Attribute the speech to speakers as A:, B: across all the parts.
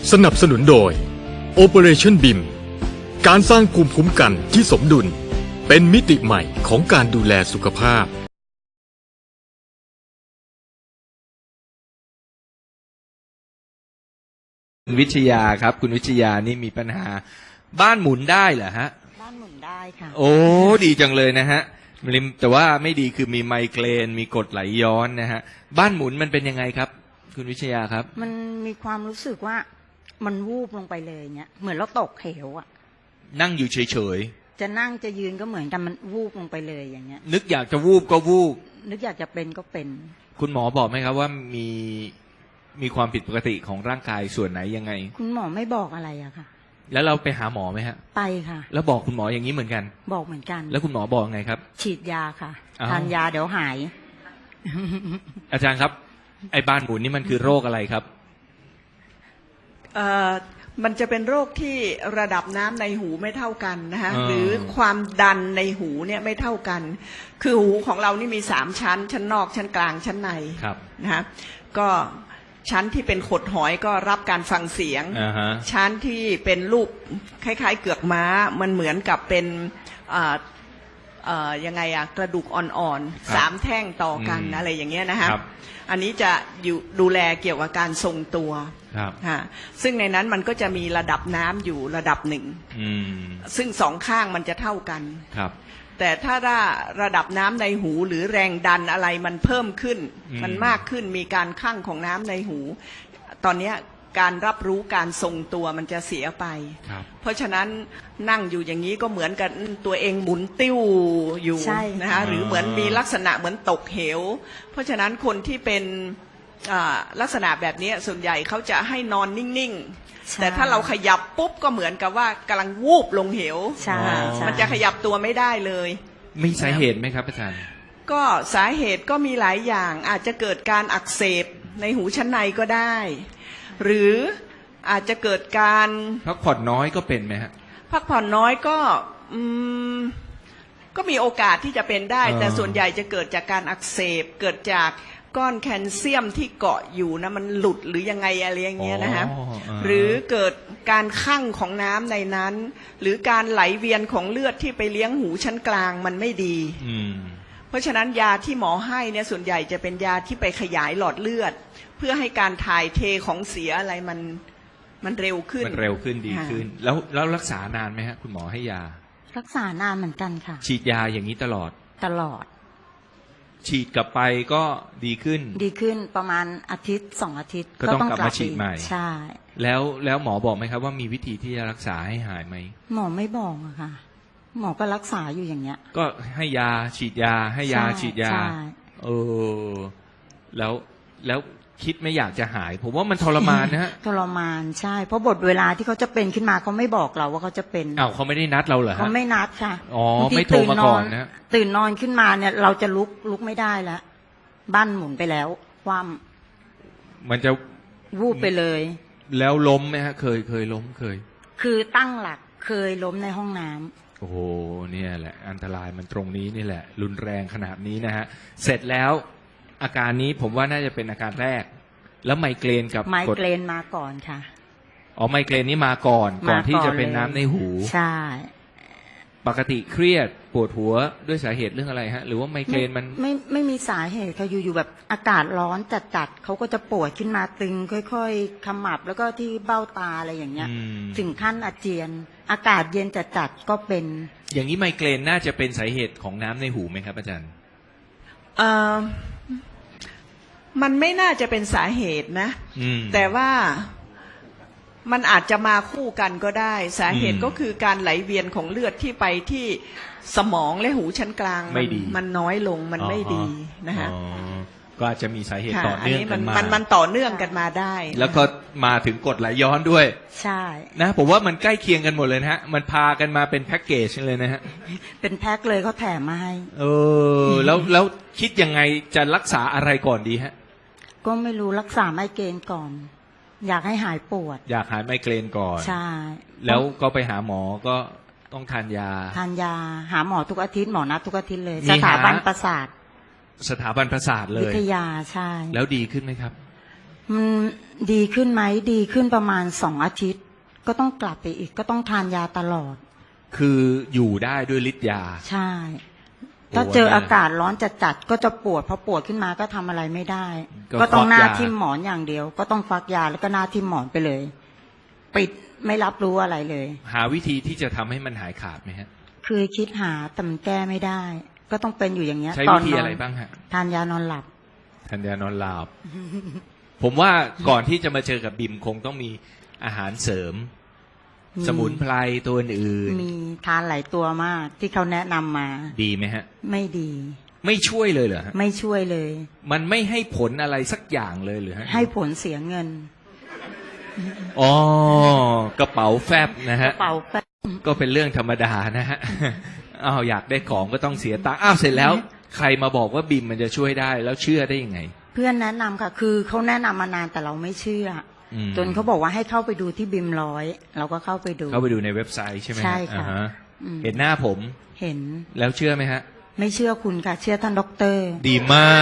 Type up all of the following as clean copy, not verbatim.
A: สนับสนุนโดย Operation BIM การสร้างภูมิคุ้มกันที่สมดุลเป็นมิติใหม่ของการดูแลสุขภาพ
B: คุณวิทยาครับคุณวิทยานี่มีปัญหาบ้านหมุนได้เหรอฮะ
C: บ้านหมุนได้ค่ะ
B: โอ้ดีจังเลยนะฮะแต่ว่าไม่ดีคือมีไมเกรนมีกรดไหลย้อนนะฮะบ้านหมุนมันเป็นยังไงครับคุณวิทยาครับ
C: มันมีความรู้สึกว่ามันวูบลงไปเลยเนี่ยเหมือนเราตกเหวอ่ะ
B: นั่งอยู่เฉย
C: ๆจะนั่งจะยืนก็เหมือนกันมันวูบลงไปเลยอย่างเงี้ย
B: นึกอยากจะวูบก็วูบ
C: นึกอยากจะเป็นก็เป็น
B: คุณหมอบอกไหมครับว่ามีความผิดปกติของร่างกายส่วนไหนยังไง
C: คุณหมอไม่บอกอะไรอะค่ะ
B: แล้วเราไปหาหมอไหมฮะ
C: ไปค่ะ
B: แล้วบอกคุณหมออย่างนี้เหมือนกัน
C: บอกเหมือนกัน
B: แล้วคุณหมอบอกไงครับ
C: ฉีดยาค่ะทานยาเดี๋ยวหาย
B: อาจารย์ครับไอ้บ้านหมุนนี่มันคือโรคอะไรครับ
D: มันจะเป็นโรคที่ระดับน้ำในหูไม่เท่ากันนะคะหรือความดันในหูเนี่ยไม่เท่ากันคือหูของเรานี่มี3ชั้นชั้นนอกชั้นกลางชั้นในนะคะก็ชั้นที่เป็นขดหอยก็รับการฟังเสียงชั้นที่เป็นรูปคล้ายๆเกือกม้ามันเหมือนกับเป็นยังไงอะกระดูกอ่อนๆ3แท่งต่อกันอะไรอย่างเงี้ยนะคะอันนี้จะอยู่ดูแลเกี่ยวกับการทรงตัวซึ่งในนั้นมันก็จะมีระดับน้ำอยู่ระดับหนึ่งซึ่ง2ข้างมันจะเท่ากันแต่ถ้าระดับน้ำในหูหรือแรงดันอะไรมันเพิ่มขึ้นมันมากขึ้นมีการคั่งของน้ำในหูตอนนี้การรับรู้การทรงตัวมันจะเสียไปเพราะฉะนั้นนั่งอยู่อย่างนี้ก็เหมือนกับตัวเองหมุนติ้วอยู่นะคะหรือเหมือนมีลักษณะเหมือนตกเหวเพราะฉะนั้นคนที่เป็นลักษณะแบบนี้ส่วนใหญ่เขาจะให้นอนนิ่งๆแต่ถ้าเราขยับปุ๊บก็เหมือนกับว่ากำลังวูบลงเหวมันจะขยับตัวไม่ได้เลย
B: มีสาเหตุไหมครับอาจารย์
D: ก็สาเหตุก็มีหลายอย่างอาจจะเกิดการอักเสบในหูชั้นในก็ได้หรืออาจจะเกิดการ
B: พักผ่อนน้อยก็เป็นไหมฮะ
D: พักผ่อนน้อยก็มีโอกาสที่จะเป็นได้แต่ส่วนใหญ่จะเกิดจากการอักเสบเกิดจากก้อนแคลเซียมที่เกาะอยู่นะมันหลุดหรือยังไงอะไรอย่างเงี้ยนะฮะหรือเกิดการคั่งของน้ำในนั้นหรือการไหลเวียนของเลือดที่ไปเลี้ยงหูชั้นกลางมันไม่ดีเพราะฉะนั้นยาที่หมอให้เนี่ยส่วนใหญ่จะเป็นยาที่ไปขยายหลอดเลือดเพื่อให้การถ่ายเทของเสียอะไรมันเร็วขึ้น
B: ดีขึ้นแล้วรักษานานไหมฮะคุณหมอให้ยา
C: รักษานานเหมือนกันค่ะ
B: ฉีดยาอย่างนี้ตลอดฉีดกลับไปก็ดีขึ้น
C: ประมาณอาทิตย์2 อาทิตย์
B: ก็ต้องกลับมาฉีดใหม่
C: ใช่
B: แล้วหมอบอกไหมครับว่ามีวิธีที่จะรักษาให้หายไหม
C: หมอไม่บอกอะค่ะหมอก็รักษาอยู่อย่างเงี้ย
B: ก็ให้ยาฉีดยาให้ยาฉีดยาแล้วคิดไม่อยากจะหายผมว่ามันทรมานนะฮะ
C: ทรมานใช่เพราะบทเวลาที่เขาจะเป็นขึ้นมาเขาไม่บอกเราว่าเขาจะเป็น
B: เขาไม่ได้นัดเราเหรอฮะ
C: เขาไม่นัดค่ะ
B: ไม่โทรมาก่อนนะ
C: ตื่นนอนขึ้นมาเนี่ยเราจะลุกไม่ได้แล้วบ้านหมุนไปแล้วความ
B: มันจะ
C: วูบไปเลย
B: แล้วล้มไหมฮะเคยล้ม
C: คือตั้งหลักเคยล้มในห้องน้ำ
B: โอ้โหเนี่ยแหละอันตรายมันตรงนี้นี่แหละรุนแรงขนาดนี้นะฮะเสร็จแล้วอาการนี้ผมว่าน่าจะเป็นอาการแรกแล้วไมเกรนกับ
C: ไมเกรนมาก่อนค่ะ
B: ไมเกรนนี่มาก่อนที่จะเป็นน้ำในหู
C: ใช่
B: ปกติเครียดปวดหัวด้วยสาเหตุเรื่องอะไรฮะหรือว่าไมเกรนมัน
C: ไม่มีสาเหตุค่ะอยู่แบบอากาศร้อนจัดเขาก็จะปวดขึ้นมาตึงค่อยๆขมับแล้วก็ที่เบ้าตาอะไรอย่างเงี้ยถึงขั้นอาเจียนอากาศเย็นจัดก็เป็น
B: อย่างนี้ไมเกรนน่าจะเป็นสาเหตุของน้ำในหูไหมครับอาจารย์
D: มันไม่น่าจะเป็นสาเหตุนะแต่ว่ามันอาจจะมาคู่กันก็ได้สาเหตุก็คือการไหลเวียนของเลือดที่ไปที่สมองและหูชั้นกลางมันน้อยลงมันไม่ดีนะฮะ
B: ก็อาจจะมีสาเหตุต่อเนื่องกันมา
D: มันต่อเนื่องกันมาได้
B: แล้วก็มาถึงกรดไหลย้อนด้วย
C: ใช่
B: นะผมว่ามันใกล้เคียงกันหมดเลยนะฮะมันพากันมาเป็นแพ็กเกจเลยนะฮะ
C: เป็นแพ็คเลยเขาแถมมาให้
B: แล้วคิดยังไงจะรักษาอะไรก่อนดีฮะ
C: ก็ไม่รู้รักษาไมเกรนก่อนอยากให้หายปวด
B: อยากหายไมเกรนก่อน
C: ใช่
B: แล้วก็ไปหาหมอก็ต้องทานยา
C: หาหมอทุกอาทิตย์หมอนัดทุกอาทิตย์เลยสถาบันประสาท
B: เลย
C: วิทยาใช่
B: แล้วดีขึ้นไหมครับ
C: มันดีขึ้นไหมดีขึ้นประมาณ2 อาทิตย์ ก็ต้องกลับไปอีกก็ต้องทานยาตลอด
B: คืออยู่ได้ด้วยฤทธิ์ยา
C: ใช่ ถ้าเจออากาศร้อนจัดๆก็จะปวดพอปวดขึ้นมาก็ทำอะไรไม่ได้ ก็ต้องหน้าทิ่มหมอนอย่างเดียว ก็ต้องฟักยาแล้วก็หน้าทิ่มหมอนไปเลย ปิดไม่รับรู้อะไรเลย
B: หาวิธีที่จะทำให้มันหายขาดไหมฮะ
C: คือคิดหาแต่มันแก้ไม่ได้ ก็ต้องเป็นอยู่อย่างเงี้ย
B: ใช้
C: ตอ
B: วิ
C: น
B: ธี
C: นอ
B: อะไร
C: น
B: บ้างฮะ
C: ทานยานอนหลับ
B: ทานยานอนหลับ ผมว่าก่อนที่จะมาเจอกับบิมคงต้องมีอาหารเสริม
C: มี
B: สมุนไพรตัวอื่น
C: มีทานหลายตัวมาก ที่เขาแนะนำมา
B: ดีไหมฮะ
C: ไม่ดี
B: ไม่ช่วยเลยเหรอฮะ
C: ไม่ช่วยเลย
B: มันไม่ให้ผลอะไรสักอย่างเลยหรือฮะ
C: ให้ผลเสียเงิน
B: อ๋อกระเป๋าแฟบนะ
C: ก
B: ฮะ
C: ระเป๋าแป๊บ
B: ก็เป็นเรื่องธรรมดานะฮะ อ้าวอยากได้ของก็ต้องเสียตังค์อ้าวเสร็จแล้ว ใครมาบอกว่าบิมมันจะช่วยได้แล้วเชื่อได้ยังไง
C: เพื่อนแนะนำค่ะ คือเขาแนะนำมานานแต่เราไม่เชื่ออ
B: ม
C: จนเขาบอกว่าให้เข้าไปดูที่บิมร้อยเราก็เข้าไปดู
B: เข้าไปดูในเว็บไซต์ใช่ไหมฮ
C: ใช่ค่ะ
B: อ่าฮ
C: อืม
B: เห็นหน้าผม
C: เห็น
B: แล้วเชื่อไหมฮะ
C: ไม่เชื่อคุณค่ะ เชื่อท่านด็อกเตอร์
B: ดีมาก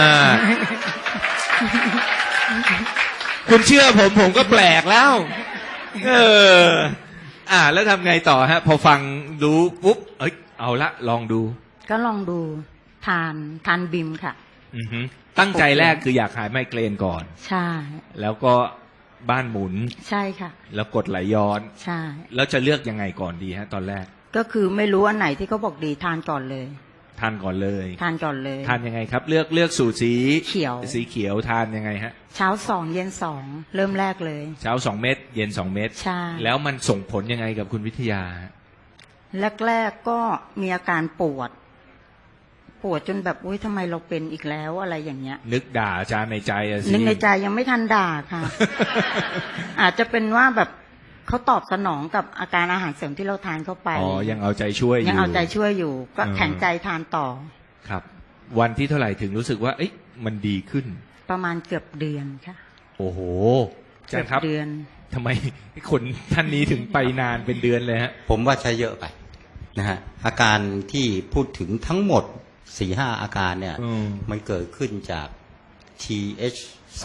B: คุณเชื่อผมก็แปลกแล้ว เออ แล้วทำไงต่อฮะ พอฟังรู้ปุ๊บ เอ้ย เอาละลองดู
C: ก็ลองดูทานบิมค่ะ
B: อือฮึตั้งใจแรกคืออยากหายไมเกรนก่อน
C: ใช่
B: แล้วก็บ้านหมุน
C: ใช่ค่ะ
B: แล้วกดไหลย้อน
C: ใช่
B: แล้วจะเลือกยังไงก่อนดีฮะ ตอนแรก
C: ก็คือไม่รู้อันไหนที่เขาบอกดีทานก่อนเลย
B: ทานก่อนเลย
C: ทานก่อนเลย
B: ทานยังไงครับ เลือกสูตรสี
C: เขียว
B: สีเขียวทานยังไงฮะ
C: เช้า2 เย็น2 เริ่มแรกเลย
B: เช้า2 เม็ดเย็น2 เม็ด
C: ใช่
B: แล้วมันส่งผลยังไงกับคุณวิทยาฮะ
C: แรกๆก็มีอาการปวดจนแบบอุ้ยทำไมเราเป็นอีกแล้วอะไรอย่างเงี้ย
B: นึกด่าอาจารย์ในใจอะสิ
C: นึกในใจยังไม่ทันด่าค่ะ อาจจะเป็นว่าแบบเขาตอบสนองกับอาการอาหารเสริมที่เราทานเข้าไป
B: อ๋อ ยังเอาใจช่วยอยู่
C: ยังเอาใจช่วยอยู่ ก็
B: เออ
C: แข็งใจทานต่อ
B: ครับ วันที่เท่าไหร่ถึงรู้สึกว่า เอ๊ะมันดีขึ้น
C: ประมาณเกือบเดือนค่ะ
B: โอ้โหอาจา
C: เกื
B: รย์ครับ
C: เดือน
B: ทำไมคนท่านนี้ถึงไปนานเป็นเดือนเลยฮะ
E: ผมว่าใช้เยอะไปนะฮะอาการที่พูดถึงทั้งหมด 4-5 อาการเนี่ย
B: อืม
E: มันเกิดขึ้นจาก TH2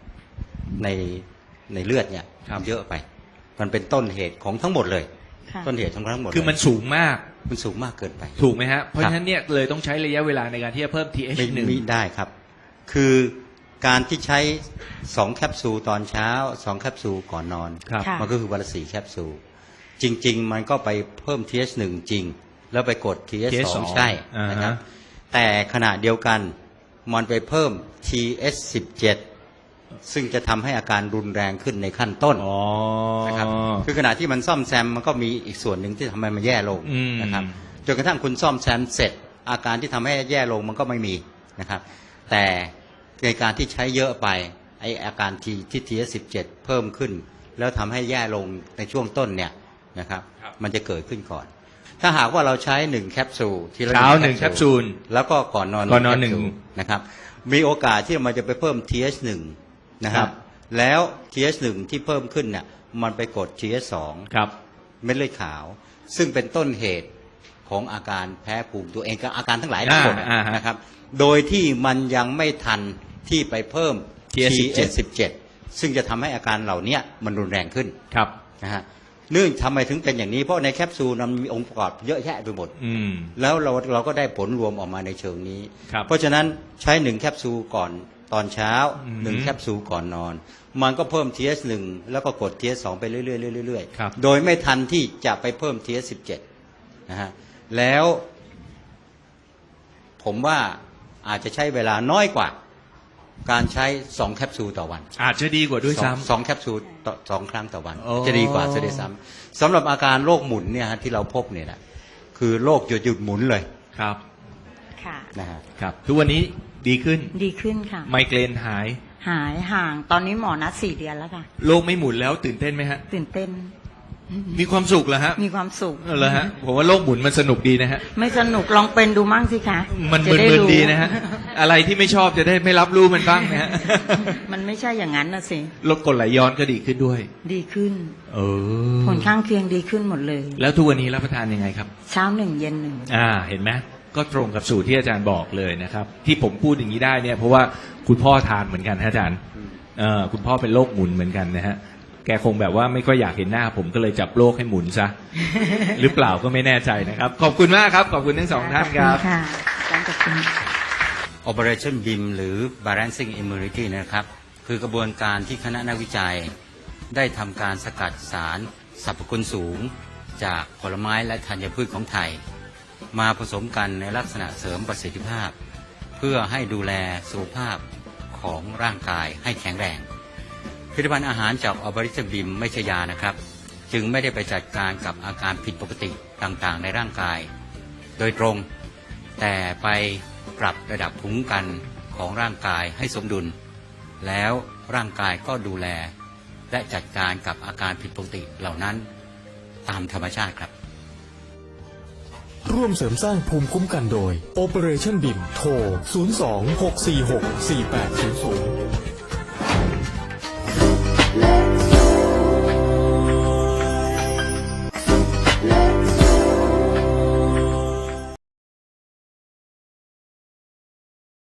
E: ในเลือดเนี่ยเยอะไป มันเป็นต้นเหตุของทั้งหมดเลย
C: ค่ะ
E: ต้นเหตุของทั้งหมด
B: คือมันสูงมาก
E: มันสูงมากเกินไป
B: ถูกไหมฮะ เพราะฉะนั้นเนี่ยเลยต้องใช้ระยะเวลาในการที่จะเพิ่ม
E: ไม่
B: TH1
E: ไม่ได้ครับ คือการที่ใช้2 แคปซูลตอนเช้า2 แคปซูลก่อนนอน
B: ครับ
C: ค่ะ
E: มันก็คือวันละ4 แคปซูลจริง ๆ มันก็ไปเพิ่ม TH1 จริง แล้วไปกด TH2 ใช่นะครับ แต่ขณะเดียวกันมันไปเพิ่ม TH17 ซึ่งจะทำให้อาการรุนแรงขึ้นในขั้นต้น
B: อ๋อ
E: นะครับคือขณะที่มันซ่อมแซมมันก็มีอีกส่วนหนึ่งที่ทำให้มันแย่ลง
B: อืม
E: นะครับจนกระทั่งคุณซ่อมแซมเสร็จ อาการที่ทำให้แย่ลงมันก็ไม่มีนะครับ แต่ในการที่ใช้เยอะไปไออาการที่ TH17 เพิ่มขึ้น แล้วทำให้แย่ลงในช่วงต้นเนี่ยนะครับมันจะเกิดขึ้นก่อน ถ้าหากว่าเราใช้1 แคปซูลทีละ
B: เช้า1 แคปซูล
E: แล้วก็ก่อนนอน
B: ก่อนนอน
E: แคปซูล
B: 1
E: นะครับมีโอกาสที่มันจะไปเพิ่ม TH1 นะค
B: ครั
E: รับบ แล้ว TH1 ที่เพิ่มขึ้นเนี่ยมันไปกด TH2
B: ครับ
E: เม็ดเลือดขาว ซึ่งเป็นต้นเหตุของอาการแพ้ภูมิตัวเองกับอาการทั้งหลายทั้งหมด
B: อ่าฮะ
E: นะครับโดยที่มันยังไม่ทันที่ไปเพิ่ม TH17 ซึ่งจะทำให้อาการเหล่านี้มันรุนแรงขึ้น
B: ครับ
E: นะฮะเนื่องทำไมถึงเป็นอย่างนี้เพราะในแคปซูลมันมีองค์ประกอบเยอะแยะไปหมด
B: อืม
E: แล้วเราก็ได้ผลรวมออกมาในเชิงนี้
B: ครับ
E: เพราะฉะนั้นใช้1 แคปซูลก่อนตอนเช้า
B: อืม
E: 1 แคปซูลก่อนนอน มันก็เพิ่ม TH1 แล้วก็กด TH2 ไปเรื่อยๆเรื่อย
B: ครับ
E: ๆโดยไม่ทันที่จะไปเพิ่ม TH17 นะฮะแล้วผมว่าอาจจะใช้เวลาน้อยกว่า การใช้2 แคปซูลต่อวัน
B: อาจจะดีกว่าด้วยซ้ำ
E: สองแคปซูลต่อ2 ครั้งต่อวัน
B: โอ้
E: จะดีกว่าเสียด้วยซ้ำสำหรับอาการโรคหมุนเนี่ยฮะที่เราพบเนี่ยนะคือโรคหยุดหมุนเลย
B: ครับ
C: ค่ะ
E: นะฮะ
B: ครับ ทุกวันนี้ดีขึ้น
C: ดีขึ้นค่ะ
B: ไมเกรนหาย
C: หายห่างตอนนี้หมอนัด4 เดือนแล้วค่ะ
B: โลกไม่หมุนแล้วตื่นเต้นไหมฮะ
C: ตื่นเต้น
B: มีความสุขเหรอฮะ
C: มีความสุข
B: เหรอฮะ ผมว่าโลกหมุนมันสนุกดีนะฮะ
C: ไม่สนุกลองเป็นดูมั่งสิคะ
B: มัน
C: จะได้
B: มึน
C: รู้
B: ๆดีนะฮะ อะไรที่ไม่ชอบจะได้ไม่รับรู้มันบ้างนะฮะ
C: มันไม่ใช่อย่างนั้นนะสิ
B: ลดกรดไหลย้อนก็ดีขึ้นด้วย
C: ดีขึ้น
B: เออ
C: ผลข้างเคียงดีขึ้นหมดเลย
B: แล้วทุกวันนี้รับประทานยังไงครับ
C: เช้า1 เย็น1
B: เห็นไหมก็ตรงกับสูตรที่อาจารย์บอกเลยนะครับ ที่ผมพูดอย่างนี้ได้เนี่ยเพราะว่าคุณพ่อทานเหมือนกันฮะอาจารย์คุณพ่อเป็นโรคหมุนเหมือนกันนะฮะแกคงแบบว่าไม่ค่อยอยากเห็นหน้าผมก็เลยจับโรคให้หมุนซะ หรือเปล่าก็ไม่แน่ใจนะครับขอบคุณมากครับขอบคุณทั้งสองท่านครับ
C: ค่ะอาจารย์ขอบคุณ
E: Operation BIM หรือ Balancing Immunity นะครับคือกระบวนการที่คณะนักวิจัยได้ทำการสกัดสารสรรพคุณสูงจากผลไม้และธัญพืชของไทยมาผสมกันในลักษณะเสริมประสิทธิภาพเพื่อให้ดูแลสุขภาพของร่างกายให้แข็งแรงผลิตภัณฑ์อาหารจาก Operation BIM ไม่ใช่ยานะครับจึงไม่ได้ไปจัดการกับอาการผิดปกติต่างๆในร่างกายโดยตรงแต่ไปปรับระดับภูมิคุ้มกันของร่างกายให้สมดุลแล้วร่างกายก็ดูแลและจัดการกับอาการผิดปกติเหล่านั้นตามธรรมชาติครับ
A: ร่วมเสริมสร้างภูมิคุ้มกันโดย Operation BIM โทร 02 646 4800